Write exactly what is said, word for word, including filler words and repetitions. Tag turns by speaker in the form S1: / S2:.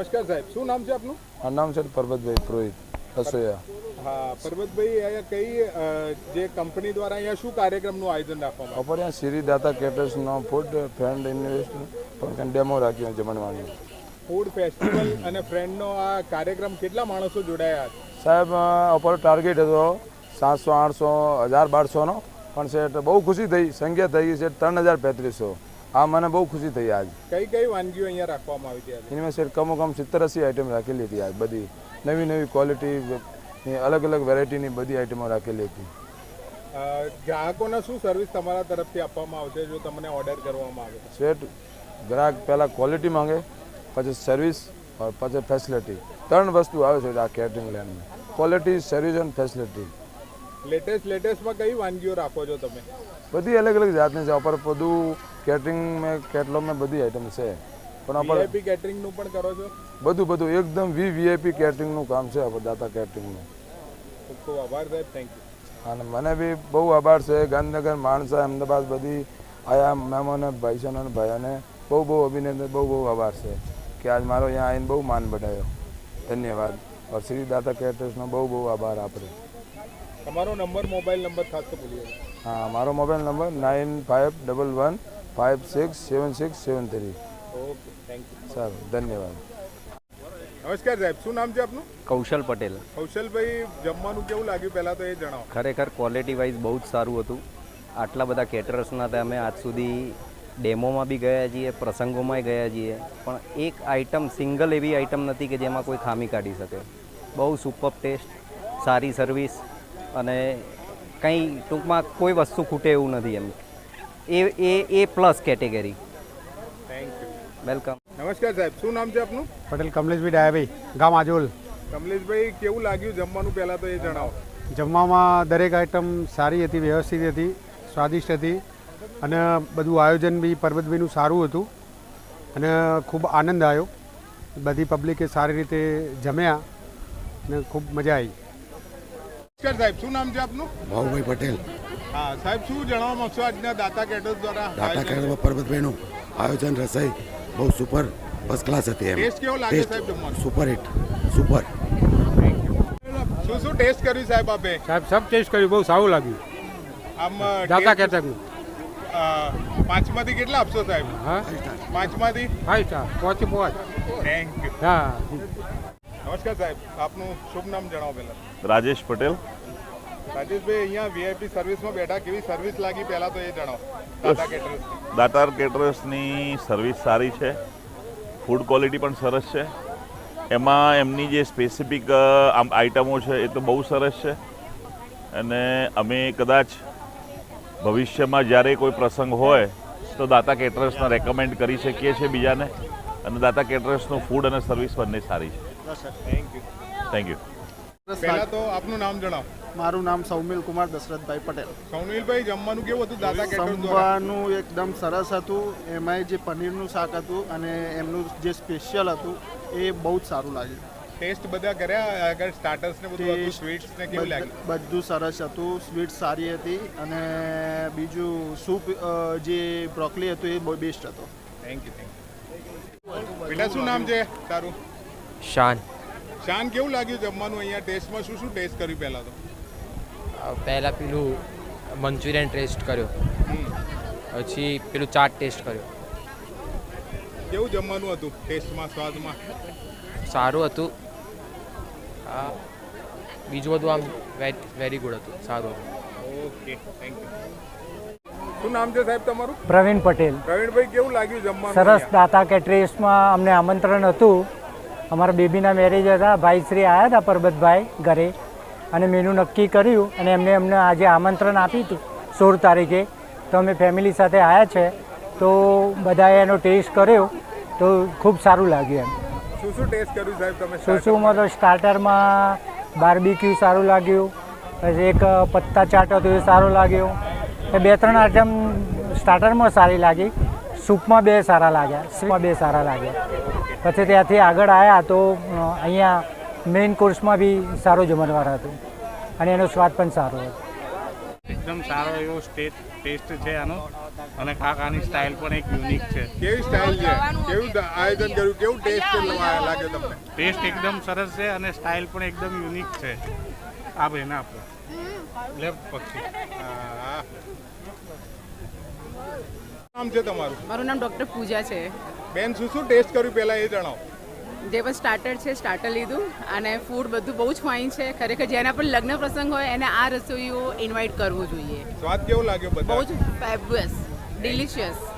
S1: નમસ્કાર સાહેબ, શું નામ છે આપનું?
S2: મારું નામ છે પરબતભાઈ પુરોહિત રસોયા.
S1: હા પરબતભાઈ, અહીંયા કઈ જે કંપની દ્વારા અહીંયા શું કાર્યક્રમનું આયોજન રાખવામાં આવ્યું?
S2: અપર અહીંયા શ્રી દાતા કેટર્સનો ફૂડ ફ્રેન્ડ ઇન્વેસ્ટ પણ ડેમો રાખ્યો જમણવાની.
S1: ફૂડ ફેસ્ટિવલ અને ફ્રેન્ડનો આ કાર્યક્રમ કેટલા માણસો જોડાયા હતા?
S2: સાહેબ અપર ટાર્ગેટ હતો સાતસો આઠસો હજાર બારસોનો, પણ સેટ બહુ ખુશી થઈ, સંખ્યા થઈ ગઈ છે ત્રણ હજાર પેત્રીસો. આ મને બહુ ખુશી થઈ. આજ
S1: કઈ કઈ વાનગીઓ અહીંયા રાખવામાં આવી હતી?
S2: એમાં સેટ કમો કમ સિત્તેર અસી આઈટમ રાખેલી હતી. આજ બધી નવી નવી ક્વોલિટી, અલગ અલગ વેરાયટીની બધી આઈટમો રાખેલી હતી.
S1: ગ્રાહકોને શું સર્વિસ તમારા તરફથી આપવામાં આવશે જો તમને ઓર્ડર કરવામાં આવે?
S2: સેટ ગ્રાહક પહેલાં ક્વોલિટી માંગે, પછી સર્વિસ और પછી ફેસિલિટી. ત્રણ વસ્તુ આવે છે આ કેટરિંગ લાઇનમાં: ક્વોલિટી, સર્વિસ અને ફેસિલિટી.
S1: લેટેસ્ટ લેટેસ્ટમાં કઈ વાનગીઓ રાખો છો તમે?
S2: બધી અલગ અલગ જાતની છે. અપર બધું કેટરિંગ મેં કેટલોગમાં બધી આઈટમ છે, પણ અપર
S1: વીઆઈપી કેટરિંગનું પણ કરો છો?
S2: બધું બધું એકદમ વી વીઆઈપી કેટરિંગનું કામ છે અપર દાતા કેટરિંગનું.
S1: ખૂબ ખૂબ આભાર સાહેબ, થેન્ક યુ.
S2: અને મને બી બહુ આભાર છે. ગાંધીનગર, માણસા, અમદાવાદ બધી આયા મહેમાનો, ભાઈસાનો અને ભાઈઓને બહુ બહુ અભિનંદન, બહુ બહુ આભાર છે કે આજ મારો અહીંયા આવીને બહુ માન બઢાયો. ધન્યવાદ. और श्री दाता कैटर्सનો બહુ બહુ આભાર આપણે.
S1: તમારો નંબર, મોબાઈલ નંબર ખાસ તો ભૂલીએ.
S2: હા, મારો mobile number nine five double one five six seven six seven three.
S1: Okay, thank you.
S2: સારું, ધન્યવાદ.
S1: નમસ્કાર સાહેબ, શું નામ છે આપનું?
S3: કૌશલ પટેલ.
S1: કૌશલભાઈ, જમવાનું કેવું લાગ્યું પહેલાં તો એ જણાવો.
S3: ખરેખર ક્વોલિટી વાઇઝ બહુ જ સારું હતું. આટલા બધા કેટરર્સના હતા, અમે આજ સુધી ડેમોમાં બી ગયા છીએ, પ્રસંગોમાંય ગયા છીએ, પણ એક આઇટમ, સિંગલ એવી આઇટમ નથી કે જેમાં કોઈ ખામી કાઢી શકે. બહુ સુપર ટેસ્ટ, સારી સર્વિસ અને કંઈ ટૂંકમાં કોઈ વસ્તુ ખૂટે એવું નથી. એમ A A A plus category.
S1: Thank you,
S3: welcome.
S1: નમસ્કાર સાહેબ, શું નામ છે આપનું?
S4: પટેલ કમલેશભાઈ ડાયાભાઈ, ગામ આજોલ.
S1: કમલેશભાઈ, કેવું લાગ્યું જમવાનું પહેલાં તો એ જણાવો.
S4: જમવામાં દરેક આઈટમ સારી હતી, વ્યવસ્થિત હતી, સ્વાદિષ્ટ હતી અને બધું આયોજન બી પરબતભાઈનું સારું હતું અને ખૂબ આનંદ આવ્યો. બધી પબ્લિકે સારી રીતે જમ્યા અને ખૂબ મજા આવી.
S1: નમસ્કાર સાહેબ, શું નામ છે આપનું?
S5: ભાઉભાઈ પટેલ.
S1: હા સાહેબ, શું જણાવવા માંગશો આજના દાતા કેટર્સ દ્વારા?
S5: દાતા કેટર્સ પરબતભાઈનું આયોજન, રસોઈ બહુ સુપર ફર્સ્ટ ક્લાસ હતી. એમ
S1: ટેસ્ટ કેવો લાગે સાહેબ જમવાનું?
S5: Super hit, super.
S1: શું શું ટેસ્ટ કર્યું સાહેબ આપે?
S4: સાહેબ સબ ટેસ્ટ કર્યું, બહુ સારું લાગ્યું.
S1: આમ
S4: દાતા કેટરનું
S1: પાંચમાંથી કેટલા આપશો સાહેબ?
S4: હા,
S1: પાંચમાંથી
S4: ફાઈવ સ્ટાર, પાંચે પાંચ.
S1: Thank you.
S4: હા.
S1: નમસ્કાર સાહેબ, આપનું શુભ નામ જણાવો પહેલા.
S6: રાજેશ પટેલ.
S1: રાજેશભાઈ, અહીંયા વીઆઈપી સર્વિસમાં બેઠા, કેવી સર્વિસ લાગી પહેલા તો એ જણાવો. દાતા કેટર્સ.
S6: દાતાર કેટરર્સની સર્વિસ સારી છે, ફૂડ ક્વોલિટી પણ સરસ છે. એમાં એમની જે સ્પેસિફિક આઇટમો છે એ તો બહુ સરસ છે. અને અમે કદાચ ભવિષ્યમાં જ્યારે કોઈ પ્રસંગ હોય તો દાતા કેટરર્સને રેકમેન્ડ કરી શકીએ છીએ બીજાને. અને દાતા કેટરર્સનું ફૂડ અને સર્વિસ બંને સારી છે.
S1: Thank you.
S6: Thank you.
S1: પહેલા તો આપનું નામ જણાવો.
S7: મારું નામ સૌમિલ કુમાર દશરથભાઈ પટેલ.
S1: સૌનિલભાઈ, જમવાનું કેવું હતું દાતા કેટર્સ દ્વારા?
S7: જમવાનું એકદમ સરસ હતું. એમાંય જે પનીરનું શાક હતું અને એમનું જે સ્પેશિયલ હતું એ બહુ જ સારું લાગ્યું.
S1: ટેસ્ટ બધા કર્યા? આગળ સ્ટાર્ટર્સ ને બધું હતું, સ્વીટ્સ ને કેવું લાગ્યું?
S7: બધું સરસ હતું. સ્વીટ સારી હતી અને બીજું સૂપ જે બ્રોકલી હતું એ બહુ બેસ્ટ હતો.
S1: Thank you, thank you. બેટા, શું નામ છે તારું?
S8: શાન.
S1: શાન, કેવું લાગ્યું જમવાનું અહીંયા? ટેસ્ટમાં શું શું ટેસ્ટ કર્યું પહેલાં તો?
S8: પહેલાં પેલું મંચુરિયન ટેસ્ટ કર્યો, પછી પેલું ચાટ ટેસ્ટ કર્યો.
S1: કેવું જમવાનું હતું ટેસ્ટમાં, સ્વાદમાં?
S8: સારું હતું. હા, બીજું બધું આમ વેરી ગુડ હતું, સારું હતું.
S1: Okay, thank you. શું નામ છે સાહેબ તમારું?
S9: પ્રવીણ પટેલ.
S1: પ્રવીણભાઈ, કેવું લાગ્યું જમવાનું?
S9: સરસ. દાતા કેટરેસમાં અમને આમંત્રણ હતું. અમારા બેબીના મેરેજ હતા, ભાઈશ્રી આવ્યા હતા પરબતભાઈ ઘરે અને મેનુ નક્કી કર્યું અને એમને અમને આજે આમંત્રણ આપ્યું હતું સોળ તારીખે. તો અમે ફેમિલી સાથે આવ્યા છે, તો બધાએ એનો ટેસ્ટ કર્યો તો ખૂબ સારું લાગ્યું. એમ
S1: શું શું ટેસ્ટ કર્યું સાહેબ તમે?
S9: શું શુંમાં તો સ્ટાર્ટરમાં બાર્બીક્યુ સારું લાગ્યું, પછી એક પત્તા ચાટ હતું એ સારું લાગ્યું. એ બે ત્રણ આઈટમ સ્ટાર્ટરમાં સારી લાગી, સૂપમાં બે સારા લાગ્યા, સૂપમાં બે સારા લાગ્યા. પછી ત્યાંથી આગળ આવ્યા તો અહીંયા મેઇન કોર્સમાં બી સારો જમણવાર હતું અને એનો સ્વાદ પણ સારો હતો.
S10: એકદમ સારો એવો સ્ટેટ ટેસ્ટ છે આનો અને કાકાની સ્ટાઇલ પણ એક યુનિક છે.
S1: કેવી સ્ટાઇલ છે, કેવું આયોજન કર્યું, કેવું ટેસ્ટ લાગે તમને?
S10: ટેસ્ટ એકદમ સરસ છે અને સ્ટાઇલ પણ એકદમ યુનિક છે. આ ભાઈને આપો લેફ્ટ પક્ષી.
S1: હા. નામ છે તમારું?
S11: મારું નામ ડૉક્ટર પૂજા છે.
S1: બેન, શું શું ટેસ્ટ કર્યું પહેલા એ જણાવો.
S11: જે પણ સ્ટાર્ટર છે સ્ટાર્ટર લીધું અને ફૂડ બધું બહુ જ ફાઇન છે. ખરેખર જેના પણ લગ્ન પ્રસંગ હોય એને આ રસોઈઓ ઇન્વાઇટ કરવું જોઈએ.
S1: સ્વાદ કેવો લાગ્યો?
S11: બહુ જ ફેબ્યુલસ, ડિલિશિયસ.